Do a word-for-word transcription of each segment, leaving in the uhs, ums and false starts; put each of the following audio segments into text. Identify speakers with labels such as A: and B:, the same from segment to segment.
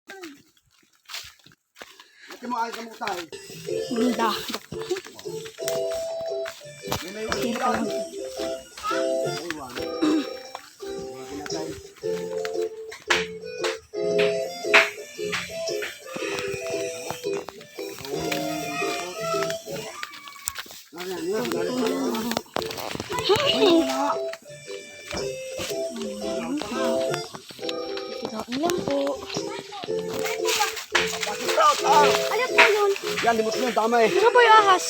A: Ito mo ay kamutay.
B: Ganda.
A: May may ulan. Aywan. Mga ginatay. Nandiyan, yan.
B: Kinain lang po.
A: Pasok out.
B: Ano po yun?
A: Yan, limot mo yan. Tama eh.
B: Ano po yung ahas?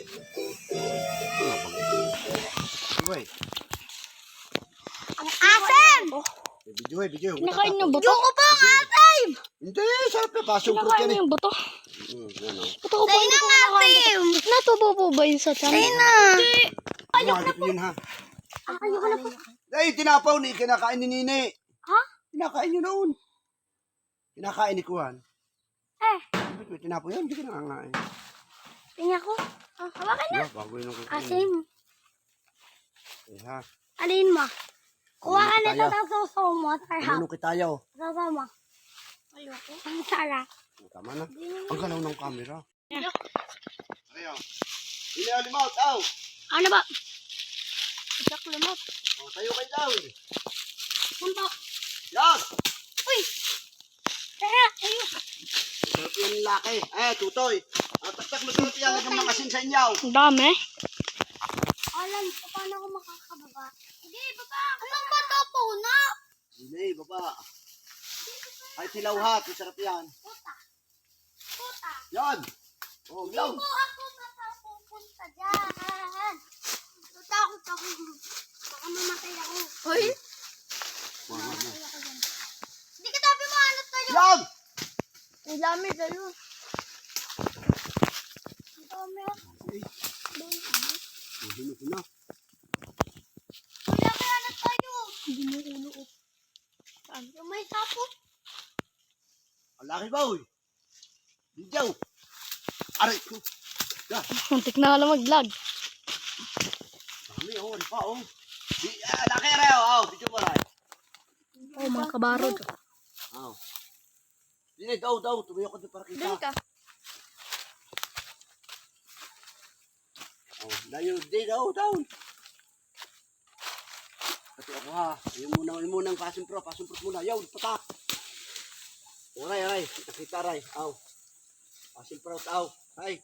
A: Wait.
B: Ang asim!
A: Video eh, video.
B: Kinakain yung buto?
C: Yung ko po, asim!
A: Hindi, sarap eh. Passion fruit
B: Kinakain
A: yan eh.
B: yung buto?
A: Hmm, yan o.
B: Buto ko po, hindi ko kinakain. Natubo po ba yun sa tiyan?
C: Sa'yo na.
A: Ayok na po. Yun ha.
B: Ayoko na po.
A: Ay, tinapaw ni. Kinakain ni Nini.
B: Ha?
A: Kinakain nyo noon. Kinakain ni Kuhan.
B: Eh.
A: Ba't may tinapaw yan? Hindi ka nakakain.
B: Tingnan ko. Ah, hawakan na.
A: Yeah, bago yun ang kukunin.
B: Asim.
A: Eh ha.
B: Alin mo? Kuha ka
A: Ano
B: nito
A: tayo?
B: sa suso mo. Tarhap.
A: Ano kitayaw?
B: Suso mo. Ayoko. Ang sarap.
A: Tama na. Ang galaw ng camera. Ayaw. Ilaw limaw, tao.
B: Ano ba? Isak lumot.
A: O, tayo kayo daw.
B: Punto.
A: Yan.
B: Uy! Tara, ayun.
A: Masarap yan laki. Eh, tutoy. Ah, taktak masarap yan. Lagyan mga asin sa inyaw.
B: Ang dami. Alam, paano ako makakababa? Hindi, baba. Anong ba ito po na?
A: Hindi, baba. Ay, tilaw ha. Masarap yan.
B: Puta. Puta.
A: Yan. Oh,
B: Hindi
A: yaw.
B: po ako pupunta dyan. Takot ako. Baka mamatay ako. Hoy? Mamatay ako dyan. Hindi ka tabi mo, ano tayo?
A: Yan.
B: Ang dami tayo. Ang dami ako.
A: Hino ko na.
B: Wala kaya na tayo. Hindi mo ulo up. Saan? Yung may tapos.
A: Ang laki ba, uy? Diyaw. Aray ko. Yan.
B: Muntik na alam mag-vlog.
A: Dami, oh. Ano pa, oh. Di, ah, laki rin, oh. Oh, video mo rin.
B: Oh, mga kabarod.
A: Oh. Dini, daw, daw. Tumayo ko doon para kita.
B: Dali ka.
A: Oh, layo. Di, daw, down. Kasi ako ha. Yung muna, yung muna ang passion pro. Passion pro muna. Yaw, patak. Aray, aray. Nakita, aray. Aw. Passion pro, aw. Ay.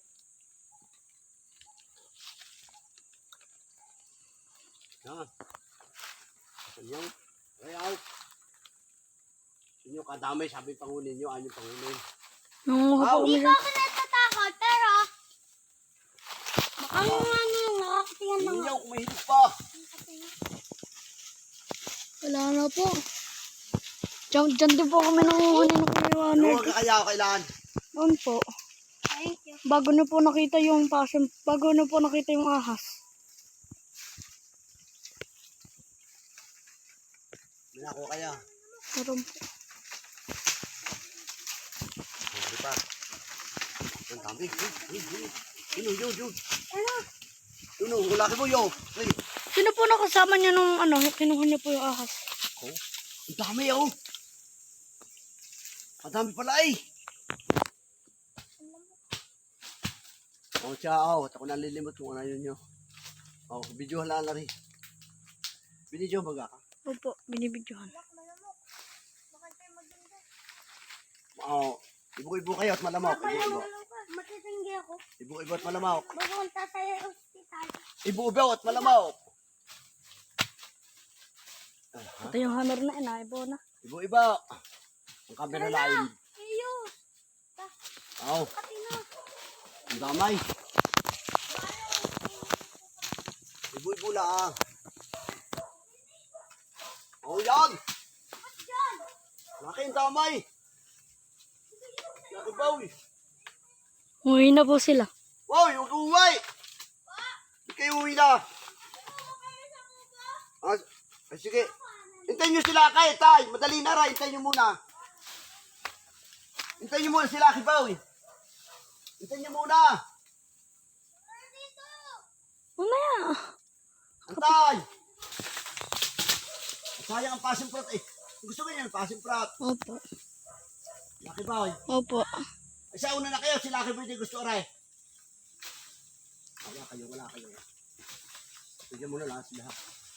A: Yan. Asan yan? Aray, aw. Inyo kadamay, sabi pangunin nyo. Anong pangunin?
B: Nangunguha
A: Aw.
B: po kami
C: Hindi
B: dyan.
C: ako natatakot, pero
B: Baka nga ano yung nakakatingan ng...
A: Inyo, kung mahilig pa.
B: Wala na po. Diyan, diyan din po kami nanguhuli ng kumiwanan.
A: Huwag ka kaya kailan.
B: Noon po.
C: thank you.
B: Bago na po nakita yung passion, bago na po nakita yung ahas.
A: May ako kaya.
B: Meron po.
A: Oh, di pa. Ang dami. Yun, yun, yun, yun.
B: Ano?
A: Yun, yun. Laki mo, yo. Ay.
B: Sino po nakasama niya nung ano, kinuha niya po yung ahas?
A: Oh, ang dami, oh. Ang dami pala, eh. Oh, siya, oh. At ako nalilimot kung ano yun, yo. Oh, video hala na rin. Binidyo baga ka.
B: Opo, binibidyohan.
A: Oh, ibu-ibu kayo at malamok. Ibu-ibu.
C: Matitinggi ako.
A: Ibu-ibu at malamok.
C: Pupunta tayo sa ospital.
A: Ibu-ibu at malamok. Ah,
B: Ito yung hammer na inaibo na.
A: ibu-ibu. Ang camera lain.
C: Iyo.
A: Oh,
C: Pati na.
A: ang damay. Ibu-ibu lang. Oh, yan. Laki ang damay. Laki ba, uy?
B: Uwi na po sila.
A: Wow, yung uwi. Hindi kayo uwi na. Ah, ah, sige. Hintayin nyo sila kay tay. Madali na ra. Hintayin nyo muna. Hintayin nyo muna sila kay Bawi. Hintayin nyo muna.
B: Mamaya.
A: Antay. Sayang ang passion fruit eh. Gusto ko yan, passion fruit.
B: Opo.
A: Lucky Boy.
D: Opo.
A: Ay, sa una na kayo, si Lucky Boy di gusto aray. Wala kayo, wala kayo. Bigyan mo na lahat sila.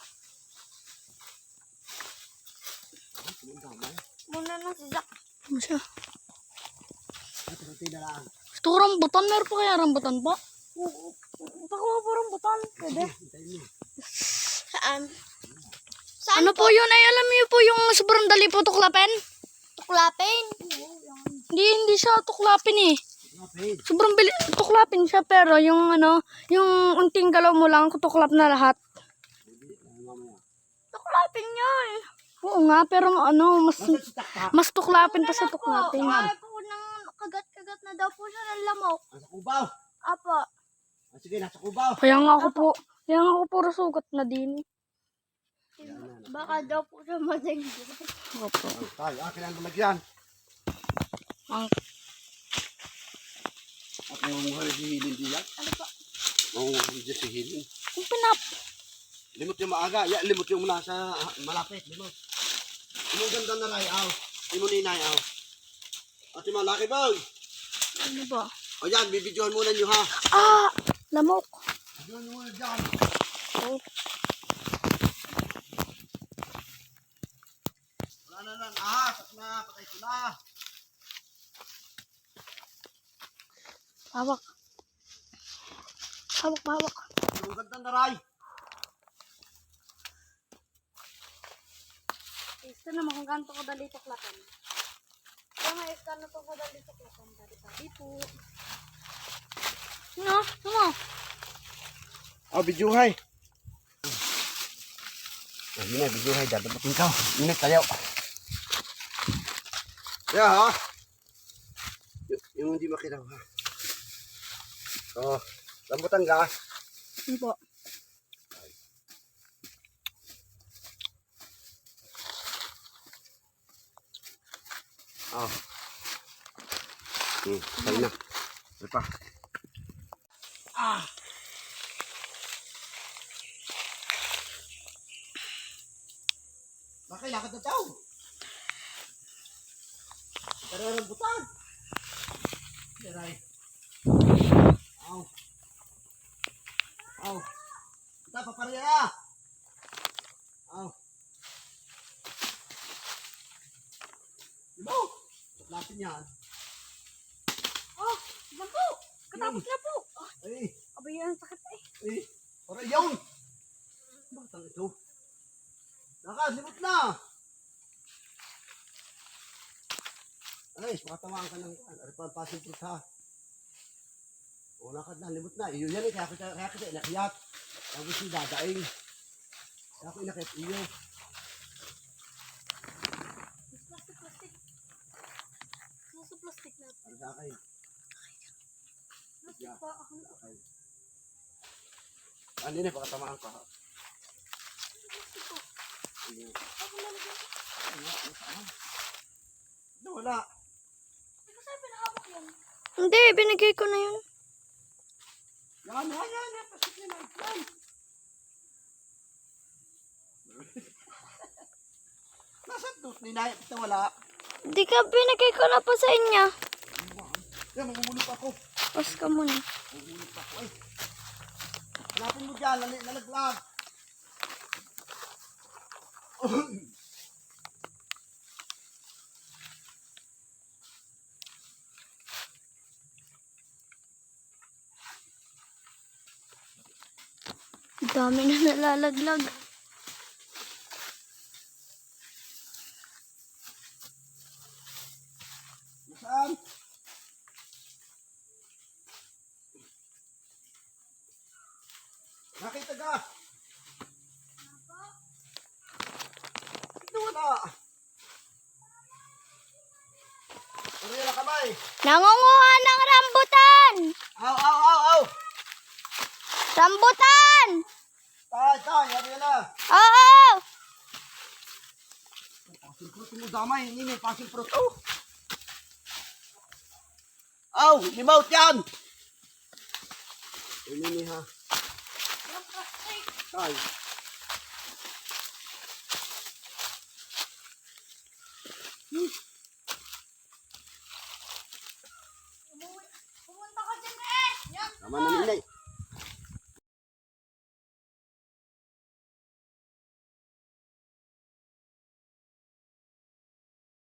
A: Ay, tumundamay.
C: Muna na si Zach.
D: Ano siya?
A: Ay, tumunti na lang.
D: Gusto ko rambutan. Meron pa kaya rambutan pa? Baka mo po rambutan. Pwede.
A: Hintayin mo.
C: Saan?
D: Ano po yun? Ay, alam niyo po yung sobrang dali po tuklapin?
C: Tuklapin.
D: Hindi, hindi siya tuklapin eh.
A: Lapit.
D: Sobrang bili, tuklapin siya pero yung ano, yung unting galaw mo lang, tuklap na lahat.
A: Hindi, ay, mamaya.
D: Tuklapin yan. Oo nga, pero ano, mas
A: Nasaan si Taktak?
D: mas tuklapin pa sa tuklapin.
C: Kaya po nang kagat-kagat na daw po siya ng lamok.
A: Nasa kubaw.
C: Apo.
A: Ah, sige, nasa kubaw.
D: Kaya nga ako po, kaya nga ako puro sugat na din.
C: Baka daw po siya madengge.
D: Opo.
A: Tayo, akin ang lalagyan.
D: Ang
A: At yung mga hihilin diyan.
C: Ano po?
A: Oo, hindi si hihilin.
D: kung pinap.
A: Limot yung maaga. Ya, limot yung mula sa ah, malapit. Limot. Yung ganda na ray, aw. Yung ninay, aw. At yung malaki boy.
D: Ano ba?
A: O yan, bibidyohan muna nyo ha.
D: Ah! Lamok.
A: Bibidyohan nyo muna dyan.
D: Oh.
A: Wala na lang. Ahas. At na, patay sila.
D: Hawak. Hawak, hawak.
A: Yung ganda na ray.
D: Gusto naman kung ganito ko dali tuklapan.
C: Kaya may kano to ko dali tuklapan. Dari-dari po.
D: Ano? Ano?
A: Oh, bidyuhay. Oh, yun na, bidyuhay. Dadapatin ka. Init tayo. Kaya ha. Y- yung hindi makita ha. Oh, rambutan ka.
D: Ano po?
A: Oh. Hmm, tayo na. Ano pa?
D: Ah!
A: Bakit lakad na tao? Tara rambutan. Yaray. Aw. Aw. Kita paparya na. Aw. Diba? Tuklatin yan.
C: Oh, yan po. Katapos na po.
A: Ay,
C: Abay yan, sakit eh.
A: ay. Para yun. Batang ito. Lakad, limot na. Ay, makatamaan ka ng kan. Ari pa pasin fruit ha. O, lakad na, limot na. Iyo yan eh, kaya kita, kaya kita inakiyat. Tapos yung dadaing. Kaya ako inakiyat iyo.
C: Plastic, plastic. Nasa plastic na.
A: Ano sa akin?
C: Plastic pa. Ako na.
A: Okay. Ano yun eh, baka tamaan ka ha. Ano?
C: Ako na lang.
A: Ano? Ano saan? Ano, wala.
C: Hindi ko sa'yo pinahawak yan.
D: Hindi, binigay ko na yun.
A: Yan, yan, yan, yan. Pasok na lang. Yan. Nasaan doon? Ninayap kita wala.
D: Hindi ka, binigay ko na po sa inyo.
A: Yan, mamumulot ako.
D: Pause ka muna.
A: Mamumulot ako. Ay. Hanapin mo dyan. Lali- Lalaglag.
D: Ang dami na nalalaglag.
A: Nasaan? Nakita ka? Ito wala. Ano yan ang kamay?
D: Nangunguha ng rambutan!
A: Aw, aw, aw, aw.
D: Rambutan!
A: Tay, tay, ano yan na?
D: Oo!
A: Pasing fruit mo damay. Hindi may pasing fruit. Oh. Aw, limaut yan. Ini ni ha. Tay. Hmm. Tama na, Ninay.